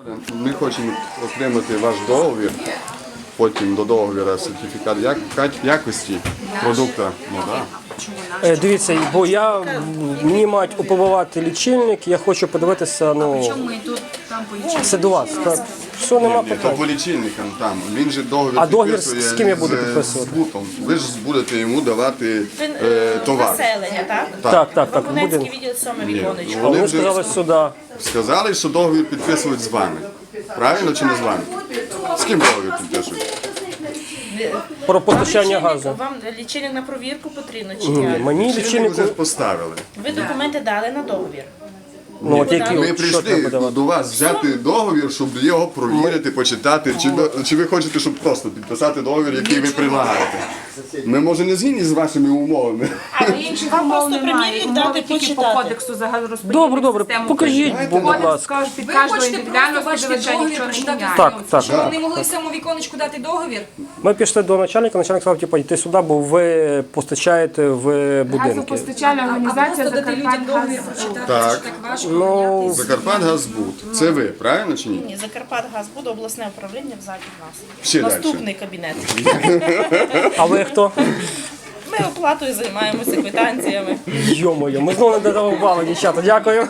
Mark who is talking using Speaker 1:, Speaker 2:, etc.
Speaker 1: Ми хочемо отримати ваш договір, потім до договіру сертифікат якості продукту. Ну, да.
Speaker 2: Дивіться, бо мені мають опробувати лічильник, я хочу подивитися,
Speaker 3: Чому ми тут там по
Speaker 2: це до вас. Так. Все, нема
Speaker 1: Ні, то
Speaker 2: питань.
Speaker 1: по лічильникам там. Він же договір
Speaker 2: А договір
Speaker 1: підписує
Speaker 2: з ким я буду підписувати?
Speaker 1: З БУТом. Ви ж будете йому давати товар.
Speaker 4: Населення, так?
Speaker 2: Так,
Speaker 4: Бабунецький
Speaker 2: будинок.
Speaker 4: відділ 7 віконечко.
Speaker 2: А вони сказали сюди.
Speaker 1: Сказали, що договір підписують з вами. Правильно чи не з вами? З ким договір підписують?
Speaker 2: Про постачання газу.
Speaker 4: Вам лічильник на провірку потрібно чи
Speaker 2: Ні,
Speaker 4: ні?
Speaker 2: мені
Speaker 1: Лічильник
Speaker 2: лічильник.
Speaker 1: вже поставили.
Speaker 4: Ви документи дали на договір.
Speaker 2: Ну, от які,
Speaker 1: Ми
Speaker 2: що
Speaker 1: прийшли
Speaker 2: треба давати?
Speaker 1: до вас взяти договір, щоб його провірити, почитати. Чи ви хочете, щоб просто підписати договір, який ви предлагаєте? Ми, може, не згідні з вашими умовами.
Speaker 3: Але інших
Speaker 4: Вам
Speaker 3: умов
Speaker 4: просто
Speaker 3: немає.
Speaker 4: примірник
Speaker 3: Умови
Speaker 4: дати
Speaker 3: тільки по
Speaker 4: почитати.
Speaker 3: кодексу загальнорозподільних
Speaker 2: Добре, добре,
Speaker 3: систем
Speaker 2: покажіть,
Speaker 3: України.
Speaker 2: будь
Speaker 3: Кодекс
Speaker 2: ласка.
Speaker 3: скаже, під
Speaker 5: Ви
Speaker 3: кожного
Speaker 5: хочете
Speaker 3: індивідуального
Speaker 5: просто бачити
Speaker 3: споживача
Speaker 5: договір,
Speaker 3: нічого не
Speaker 5: прочитати
Speaker 3: міняє.
Speaker 2: Так, так.
Speaker 5: Щоб вони могли в цьому віконечку дати договір?
Speaker 2: Ми пішли до начальника сказав, типу, йти сюди, бо ви постачаєте в будинки.
Speaker 3: Газопостачальна
Speaker 5: А
Speaker 3: організація
Speaker 5: просто дати людям договір
Speaker 3: «Закарпатгаз».
Speaker 5: прочитати,
Speaker 1: Так.
Speaker 5: це ж так важко.
Speaker 2: Ну,
Speaker 1: Закарпатгазбуд. Це ви, правильно чи ні?
Speaker 4: Ні, Закарпатгаз буде обласне управління взаді нас.
Speaker 1: Ще
Speaker 4: Наступний кабінет.
Speaker 2: а ви хто?
Speaker 4: Ми оплатою займаємося квитанціями.
Speaker 2: Йо-моє, ми знову не додавали, дівчата, дякую.